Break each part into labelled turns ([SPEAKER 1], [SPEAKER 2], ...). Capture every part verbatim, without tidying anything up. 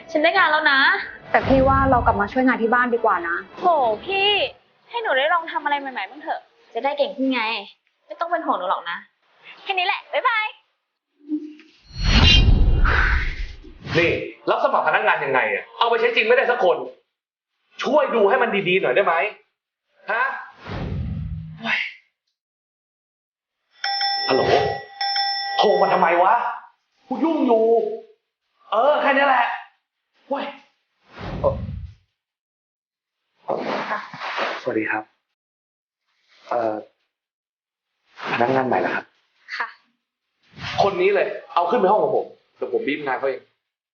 [SPEAKER 1] ฉันได้งานแล้วนะ
[SPEAKER 2] แต่พี่ว่าเรากลับมาช่วยงานที่บ้านดีกว่านะ
[SPEAKER 1] โหพี่ให้หนูได้ลองทำอะไรใหม่ๆบ้างเถอะจะได้เก่งขึ้นไงไม่ต้องเป็นห่วงหนูหรอกนะแค่นี้แหละบ๊ายบาย
[SPEAKER 3] นี่รับสมัครพนักงานยังไงอ่ะเอาไปใช้จริงไม่ได้สักคนช่วยดูให้มันดีๆหน่อยได้ไหมฮะฮัลโหลโทรมาทำไมวะกูยุ่งอยู่เออแค่นี้แหละเว้ยสวัสดีครับเอ่อพนักงานใหม่เหรอครับ
[SPEAKER 1] ค่ะ
[SPEAKER 3] คนนี้เลยเอาขึ้นไปห้องของผมเดี๋ยวผมบีบงานเขาเอง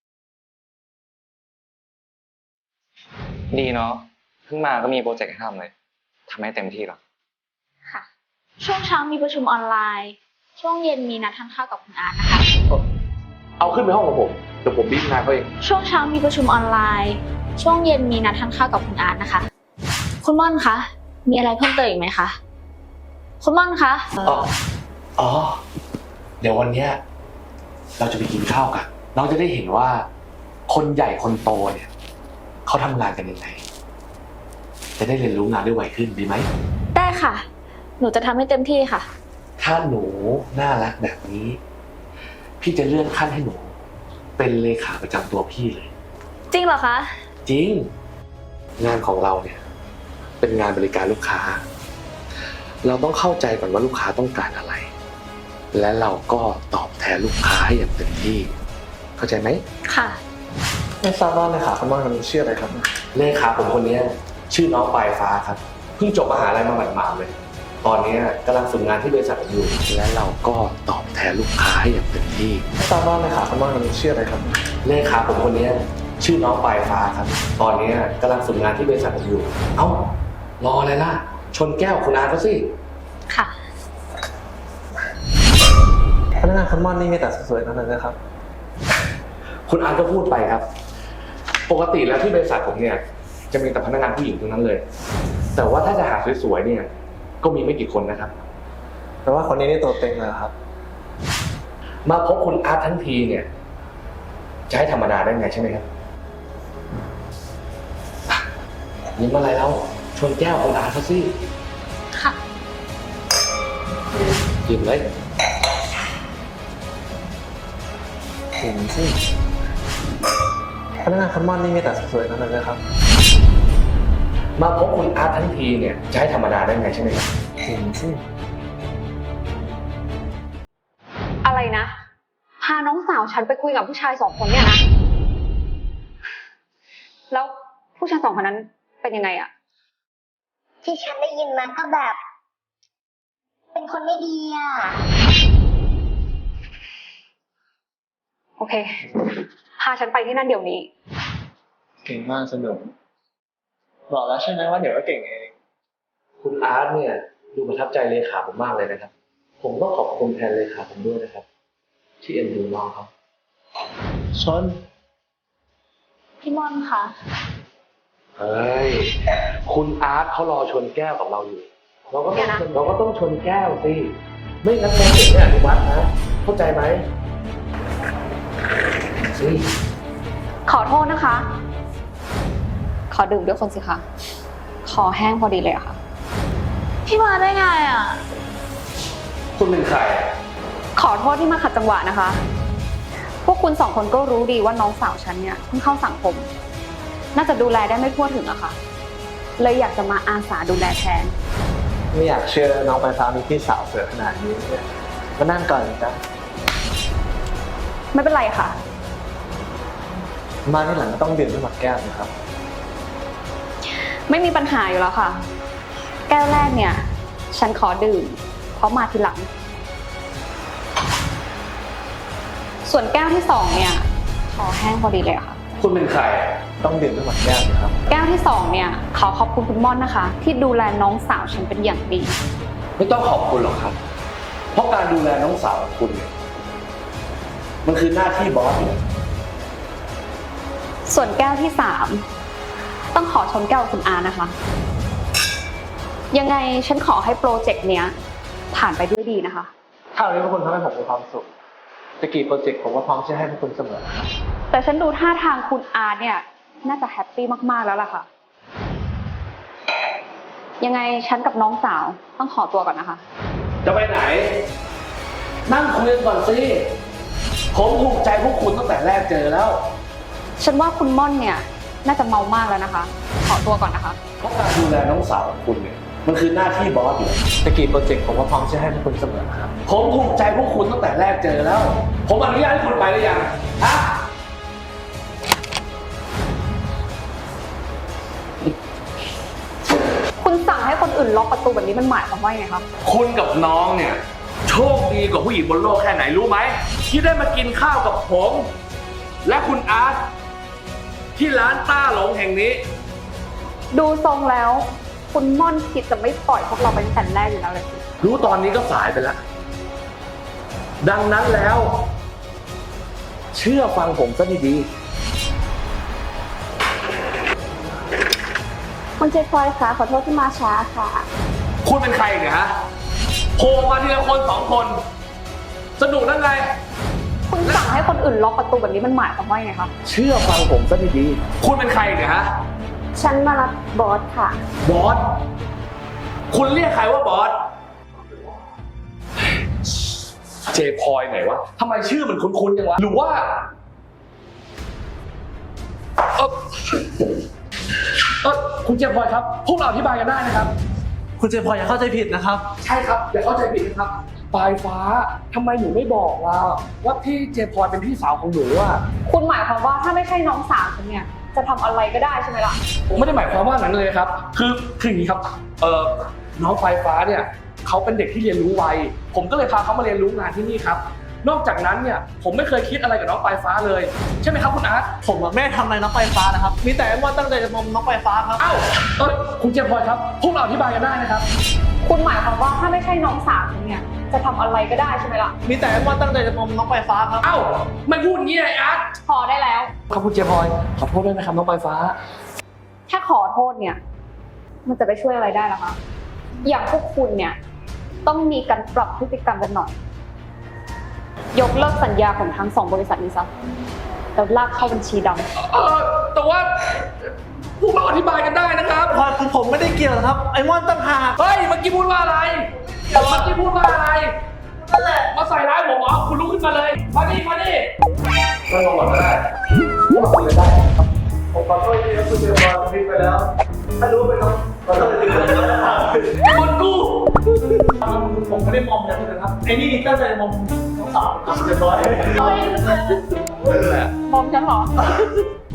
[SPEAKER 4] ดีเนาะเพิ่งมาก็มีโปรเจกต์ให้ทำเลยทำให้เต็มที่หรอ
[SPEAKER 1] ค่ะช่วงเช้ามีประชุมออนไลน์ช่วงเย็นมีนัดทานข้าวกับคุณอาร์ตนะคะ
[SPEAKER 3] เอาขึ้นไปห้องของผมเดี๋ยวผมบีบงานเขาเอง
[SPEAKER 1] ช่วงเช้ามีประชุมออนไลน์ช่วงเย็นมีนัดทานข้าวกับคุณอาร์ตนะคะคุณม่อนคะมีอะไรเพิ่มเติมอีกไหมคะคุณม่อนคะ
[SPEAKER 3] อ๋ออ๋อเดี๋ยววันเนี้ยเราจะไปกินข้าวกันเราจะได้เห็นว่าคนใหญ่คนโตเนี่ยเขาทำงานกันยังไงจะได้เรียนรู้งานได้ไวขึ้นดีไหม
[SPEAKER 1] ได้ค่ะหนูจะทำให้เต็มที่ค่ะ
[SPEAKER 3] ถ้าหนูน่ารักแบบนี้พี่จะเลื่อนขั้นให้หนูเป็นเลขาประจำตัวพี่เลย
[SPEAKER 1] จริงเหรอคะ
[SPEAKER 3] จริงงานของเราเนี่ยเป็นงานบริการลูกค้าเราต้องเข้าใจก่อนว่าลูกค้าต้องการอะไรและเราก็ตอบแทนลูกค้าให้อย่างเต็มที่เข้าใจไหม
[SPEAKER 1] ค่ะ
[SPEAKER 3] ไม่ทราบว่าเลขาคุณม่อนคนนี้ชื่ออะไรครับเลขาผมคนนี้ชื่อน้องปลายฟ้าครับเพิ่งจบมหาลัยมาหมาดๆเลยตอนนี้กำลังฝึกงานที่บริษัทอยู่และเราก็ตอบแทนลูกค้าให้อย่างเต็มที่ไม่ทราบว่าเลขาคุณม่อนคนนี้ชื่ออะไรครับเลขาผมคนนี้ชื่อน้องปลายฟ้าครับตอนนี้กำลังฝึกงานที่บริษัทอยู่เอ้ารออะไรล่ะชนแก้วคุณอาเขาสิ
[SPEAKER 1] ค่ะ
[SPEAKER 3] พนักงานคุณม่อนนี่มีแต่สวยๆทั้งนั้นนะครับคุณอาร์ตก็พูดไปครับปกติแล้วที่บริษัทผมเนี่ยจะมีแต่พนักงานผู้หญิงทั้งนั้นเลยแต่ว่าถ้าจะหาสวยๆเนี่ยก็มีไม่กี่คนนะครับแต่ว่าคนนี้นี่ตัวเต็งเลยครับมาพบคุณอาร์ตทั้งทีเนี่ยจะให้ธรรมดาได้ไงใช่ไหมครับยิ้มอะไรแล้วชนแก้วคุณอาร์ตเขาสิ
[SPEAKER 1] ค่ะ
[SPEAKER 3] ยิ้มเลยเห็นสิพนักงานคุณม่อนนี่มีแต่สวยๆทั้งนั้นเลยครับมาพบคุณอาร์ตทั้งทีเนี่ยจะให้ธรรมดาได้ไงใช่ไหมครับเห็นสิ
[SPEAKER 2] อะไรนะพาน้องสาวฉันไปคุยกับผู้ชายสองคนเนี่ยนะแล้วผู้ชายสองคนนั้นเป็นยังไงอะ
[SPEAKER 5] ที่ฉันได้ยินมาก็แบบ เป็นคนไม่ดีอ่ะ
[SPEAKER 2] โอเคพาฉันไปที่นั่นเดี๋ยวนี้
[SPEAKER 3] เก่งมากสนุกบอกแล้วใช่ไหมว่าเดี๋ยวก็เก่งเองคุณอาร์ตเนี่ยดูประทับใจเลขาผมมากเลยนะครับผมต้องขอบคุณแทนเลขาผมด้วยนะครับที่เอ็นดูน้องเขาชน
[SPEAKER 1] พี่ม่อนคะ
[SPEAKER 3] เฮ้ยคุณอาร์ตเขารอชนแก้วกับเราอยู่เราก็ต้องเราก็ต้องชนแก้วสิไม่งั้นโปรเจกต์ไม่อนุมัตินะเข้าใจไหมสิ
[SPEAKER 2] ขอโทษนะคะขอดื่มด้วยคนสิคะคอแห้งพอดีเลยอะค่ะ
[SPEAKER 1] พี่มาได้ไงอ่ะ
[SPEAKER 3] คุณเป็นใคร
[SPEAKER 2] ขอโทษที่มาขัดจังหวะนะคะพวกคุณสองคนก็รู้ดีว่าน้องสาวฉันเนี่ยเพิ่งเข้าสังคมน่าจะดูแลได้ไม่ทั่วถึงอะค่ะเลยอยากจะมาอาสาดูแลแทน
[SPEAKER 3] ไม่อยากเชื่อน้องปลายฟ้ามีพี่สาวสวยขนาดนี้เนี่ยมานั่งก่อนจ้ะ
[SPEAKER 2] ไม่เป็นไรค่ะ
[SPEAKER 3] มาที่หลังก็ต้องดื่มด้วยหมดแก้วนะครับ
[SPEAKER 2] ไม่มีปัญหาอยู่แล้วค่ะแก้วแรกเนี่ยฉันขอดื่มเพราะมาทีหลังส่วนแก้วที่สองเนี่ยขอแห้งพอดีเลยค่ะ
[SPEAKER 3] คุณเป็นใครต้องดื่มด้วยหมดแก้วนะครับ
[SPEAKER 2] แก้วที่สองเนี่ยขอขอบคุณคุณม่อนนะคะที่ดูแลน้องสาวฉันเป็นอย่างดี
[SPEAKER 3] ไม่ต้องขอบคุณหรอกครับเพราะการดูแลน้องสาวของคุณเนี่ยมันคือหน้าที่บอสอยู่
[SPEAKER 2] ส่วนแก้วที่สามต้องขอชนแก้วคุณอานะคะยังไงฉันขอให้โปรเจกต์เนี้ยผ่านไปด้วยดีนะคะ
[SPEAKER 3] ถ้าวันนี้พวกคุณทำให้ผมมีความสุขตะกี้โปรเจกต์ผมก็พร้อมจะให้พวกคุณเสมอครับ
[SPEAKER 2] แต่ฉันดูท่าทางคุณอาร์ตเนี่ยน่าจะแฮปปี้มากๆแล้วล่ะค่ะ ยังไงฉันกับน้องสาวต้องขอตัวก่อนนะคะ
[SPEAKER 3] จะไปไหน นั่งคุยกันก่อนสิ ผมถูกใจพวกคุณตั้งแต่แรกเจอแล้ว
[SPEAKER 2] ฉันว่าคุณม่อนเนี่ยน่าจะเมามากแล้วนะคะ ขอตัวก่อนนะคะ
[SPEAKER 3] เพราะการดูแลน้องสาวของคุณเนี่ยมันคือหน้าที่บอสอยู่ตะกี้โปรเจกต์ผมก็พร้อมจะให้พวกคุณเสมอครับ ผมถูกใจพวกคุณตั้งแต่แรกเจอแล้ว ผมอนุญาตให้คุณไปหรือยังฮะ
[SPEAKER 2] คุณสั่งให้คนอื่นล็อกประตูแบบนี้มันหมายความว่ายังไงคะ
[SPEAKER 3] คุณกับน้องเนี่ยโชคดีกว่าผู้หญิงบนโลกแค่ไหนรู้ไหมที่ได้มากินข้าวกับผม และคุณอาร์ตที่ร้านต้าหลงแห่งนี้
[SPEAKER 2] ดูทรงแล้ว คุณม่อนคิดจะไม่ปล่อยพวกเราเป็นแต่แรกอยู่แล้วเลยสิ
[SPEAKER 3] รู้ตอนนี้ก็สายไปแล้ว ดังนั้นแล้ว เชื่อฟังผมซะดี
[SPEAKER 1] คุณเจฟอยคะขอโทษที่มาช้าค่ะ
[SPEAKER 3] ๆคุณเป็นใครเนี่ยฮะโผล่มาทีละคนสองคน สนุกนั่นไง
[SPEAKER 2] คุณสั่งให้คนอื่นล็อกประตูแบบนี้มันหมายความว่ายังไงคะ
[SPEAKER 3] เชื่อฟังผมซะดีๆคุณเป็นใครเนี่ยฮะ
[SPEAKER 1] ฉันมารับบอสค่ะ
[SPEAKER 3] บอส คุณเรียกใครว่าบอส เจพลอยไหนวะทำไมชื่อมันคุ้นๆจังวะ หรือว่าเออเออคุณเจพลอยครับ พวกเราอธิบายกันได้นะครับ
[SPEAKER 6] คุณเจพลอยอย่าเข้าใจผิดนะครับ
[SPEAKER 3] ใช่ครับ อย่าเข้าใจผิดนะครับ ปลายฟ้าทำไมหนูไม่บอกล่ะว่าพี่เจพลอยเป็นพี่สาวของหนูอ่ะ
[SPEAKER 2] คุณหมายความว่าถ้าไม่ใช่น้องสาวฉันเนี่ยจะทำอะไรก็ได้ใช่ไหมล่ะ
[SPEAKER 3] ผมไม่ได้หมายความว่านั้นเลยครับ คือคืออย่างนี้ครับ เอ่อ น้องปลายฟ้าเนี่ยเขาเป็นเด็กที่เรียนรู้ไว ผมก็เลยพาเขามาเรียนรู้งานที่นี่ครับ นอกจากนั้นเนี่ยผมไม่เคยคิดอะไรกับน้องปลายฟ้าเลย ใช่ไหมครับคุณอาร์ต
[SPEAKER 6] ผมอะไม่ได้ทำอะไรน้องปลายฟ้านะครับ มีแต่ว่าตั้งใจจะมอมน้องปลายฟ้าครับ
[SPEAKER 3] เอ้าเออคุณเจมส์พลอยครับ พวกเราอธิบายกันได้นะครับ
[SPEAKER 2] คุณหมายความว่าถ้าไม่ใช่น้องสาวฉันเนี่ยจะทำอะไรก็ได้ใช่ไหมล่ะ
[SPEAKER 6] มีแต่ว่าตั้งใจจะมอมน้องปลายฟ้าครับ
[SPEAKER 3] เอ้าไม่พูดอย่างนี้ไอ้อาร์ต
[SPEAKER 2] พอได้แล้ว
[SPEAKER 3] ครับคุณเจมส์พลอยขอโทษด้วยนะครับน้องปลายฟ้า
[SPEAKER 2] แค่ขอโทษเนี่ย มันจะไปช่วยอะไรได้ล่ะคะอย่างพวกคุณเนี่ยต้องมีการปรับพฤติกรรมกันหน่อย ยกเลิกสัญญาของทั้งสองบริษัทนี้ซะแล้วลากเข้าบัญชีดำ
[SPEAKER 3] เออแต่ว่าพวกเราอธิบายกันได้นะครับ
[SPEAKER 6] พลอยคือผมไม่ได้เกี่ยวนะครับ ไอ้ม่อนตั้งหาก
[SPEAKER 3] เฮ้ยเมื่อกี้พูดว่าอะไรเมื่อกี้พูดว่าอะไรนั่นแหละมาใส่ร้ายผมเหรอคุณลุกขึ้นมาเลยมาดิมาดินั่งลงก่อนก็ได้พวกเราคุยกันได้ครับ
[SPEAKER 6] ผมขอโทษที่คุณเจพลอยผิดไปแล้ว ถ้ารู้ไปน้องขอโทษจริงๆ
[SPEAKER 3] ไอ้คนกู้
[SPEAKER 6] ผมไม่ได้มอมอย่างนั้นนะครับ ไอ้นี่ตั้งใจมอมน้องสาวครับเรียบร้อย
[SPEAKER 3] นั่นแหละ
[SPEAKER 2] มองฉันเหรอ